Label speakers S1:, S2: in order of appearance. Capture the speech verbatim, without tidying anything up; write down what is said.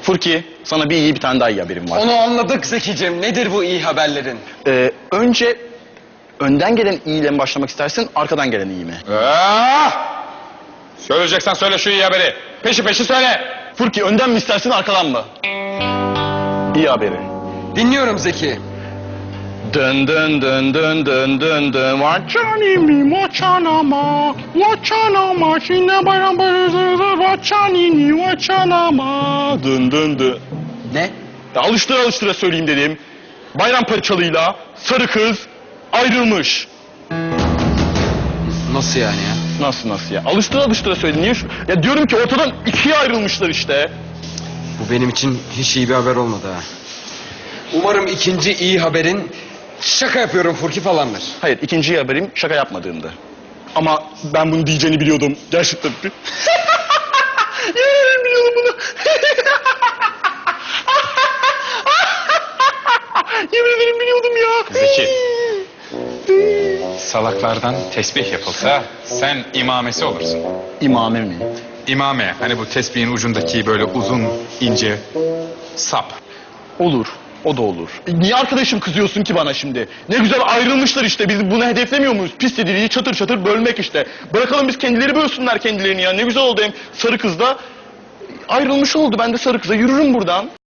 S1: Furki, sana bir iyi bir tane daha iyi haberim var.
S2: Onu anladık Zekicim. Nedir bu iyi haberlerin?
S1: Ee, önce önden gelen iyiyle mi başlamak istersin, arkadan gelen iyi mi?
S3: Ah! Söyleyeceksen söyle şu iyi haberi. Peşi peşi söyle.
S1: Furki, önden mi istersin, arkadan mı? İyi haberi.
S2: Dinliyorum Zeki.
S1: Dın dın dın dın dın dın dın. Vaçani mi vaçanama, vaçanama, şimdi bayram bayram vaçani mi vaçanama. Dın dın dın.
S2: Ne?
S1: Ya alıştıra alıştıra söyleyeyim dedim. Bayram parçalıyla sarı kız ayrılmış.
S2: Nasıl yani ya?
S1: Nasıl nasıl ya? Alıştıra alıştıra söyledim. Niye şu? Ya diyorum ki ortadan ikiye ayrılmışlar işte.
S2: Bu benim için hiç iyi bir haber olmadı ha. Umarım ikinci iyi haberin şaka yapıyorum Furki falandır.
S1: Hayır, ikinci haberim şaka yapmadığımdı. Ama ben bunu diyeceğini biliyordum. Gerçekten. Yemin biliyordum bunu. Yemin ederim biliyordum ya.
S3: Zeki. Salaklardan tesbih yapılsa sen imamesi olursun.
S1: İmame mi?
S3: İmame, hani bu tesbihin ucundaki böyle uzun, ince sap.
S1: Olur. O da olur. E, niye arkadaşım kızıyorsun ki bana şimdi? Ne güzel ayrılmışlar işte. Biz bunu hedeflemiyor muyuz? Pis dediği çatır çatır bölmek işte. Bırakalım biz kendileri bölsünler kendilerini ya. Ne güzel oldu hem sarı kız da ayrılmış oldu. Ben de sarı kıza yürürüm buradan.